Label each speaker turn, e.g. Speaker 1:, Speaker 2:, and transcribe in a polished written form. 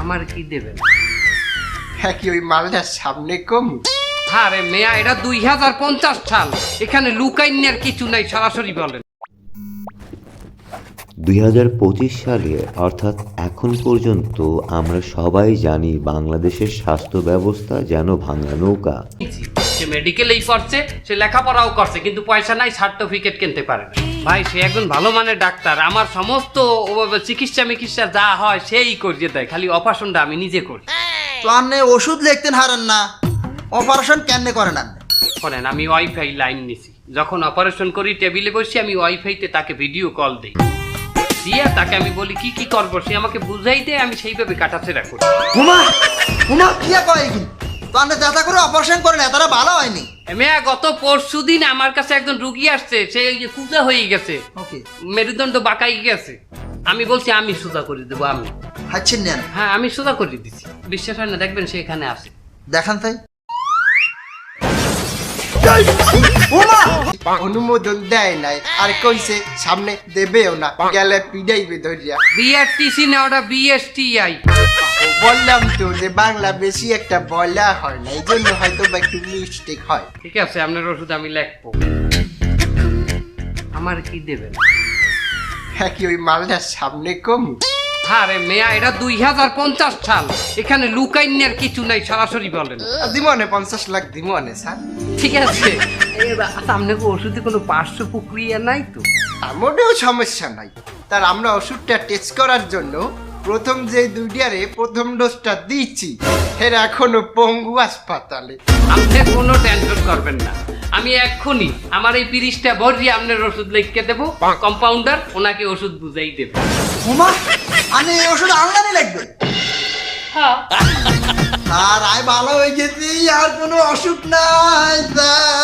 Speaker 1: আমার কি দেবেন?
Speaker 2: হ্যাঁ কি ওই মালটার সামনে কম?
Speaker 1: আরে মেয়া, এটা 2050 সাল, এখানে লুকাইনের কিছু নাই, সরাসরি বলেন।
Speaker 3: 2025 সালে অর্থাৎ এখন পর্যন্ত আমরা সবাই জানি বাংলাদেশের স্বাস্থ্য ব্যবস্থা যেন ভাঙা নৌকা।
Speaker 1: সে মেডিকেলেই পড়ছে, সে লেখাপড়াও করছে, কিন্তু পয়সা নাই, সার্টিফিকেট কিনতে পারে না। ভাই সে একজন ভালো মানের ডাক্তার, আমার সমস্ত চিকিৎসা যা হয় সেই করিয়ে দেয়, খালি অপারেশনটা আমি নিজে করি।
Speaker 4: তো আপনি ওষুধ লিখতেন হারেন না, অপারেশন কেন করেন আপনি?
Speaker 1: শোনেন, আমি ওয়াইফাই লাইন নিছি, যখন অপারেশন করি টেবিলে বসে আমি ওয়াইফাইতে তাকে ভিডিও কল দিই, দিয়ে তাকে আমি বলি কি কি করবো, সে আমাকে বুঝাই দেয়, আমি সেইভাবে কাটাছেড়া করি।
Speaker 4: হুমা হুমা কি কয় কি? তো আপনি যাতা করে অপারেশন করেন, তারা ভালো হয়নি?
Speaker 1: মেয়া, গত পরশুদিন আমার কাছে একজন রুগী আসছে, সে কুজা হয়ে গেছে,
Speaker 4: ওকে,
Speaker 1: মেরুদণ্ড বাঁকাই গেছে। আমি বলছি আমি সোজা করে দেবো, আমি
Speaker 4: হাচ্ছেন নেন,
Speaker 1: হ্যাঁ আমি সোজা করে দিচ্ছি। বিশ্বাস হয় না, দেখবেন সে এখানে আসে।
Speaker 4: দেখান তাই।
Speaker 2: অনুমোদন দেয় নাই, আর কইছে সামনে দেবেও না, গেলে পিডাইবে ধরিয়া।
Speaker 1: বিআরটিসি না, ওটা বিএসটিআই।
Speaker 2: বললাম তো যে বাংলা বেশি একটা বলা হয় না, এই জন্য হয়তো বা একটু মিস্টেক হয়।
Speaker 1: ঠিক আছে, আপনার ওষুধ আমি লিখবো। আমার কি দেবেন?
Speaker 2: হ্যাঁ কি ওই মালটার সামনে কম?
Speaker 1: আরে মেয়া, এটা 2050 সাল, এখানে লুকাইনের কিছু নাই, সরাসরি বলেন।
Speaker 2: দিমনে 50 লাখ দিমনে স্যার।
Speaker 1: ঠিক আছে, সামনে ওষুধে কোনো পার্শ্ব প্রক্রিয়া নাই তো?
Speaker 2: মোটেও সমস্যা নাই। তার আমরা ওষুধটা টেস্ট করার জন্য প্রথম যে দুইটারে প্রথম ডোজটা দিচ্ছি, এর এখনো পঙ্গু হাসপাতালে।
Speaker 1: আপনি কোনো টেনশন করবেন না, আমি এক্ষুনি আমার এই 30টা ভরিয়ে আপনার ওষুধ লিখে দেবো, কম্পাউন্ডার ওনাকে ওষুধ বুঝাই দেবে।
Speaker 4: হুমা আমি এই ওষুধ আনলামই লাগবে।
Speaker 1: হ্যাঁ,
Speaker 4: আর আয় ভালো হয়ে গেছি, আর কোনো অসুখ নাই স্যার।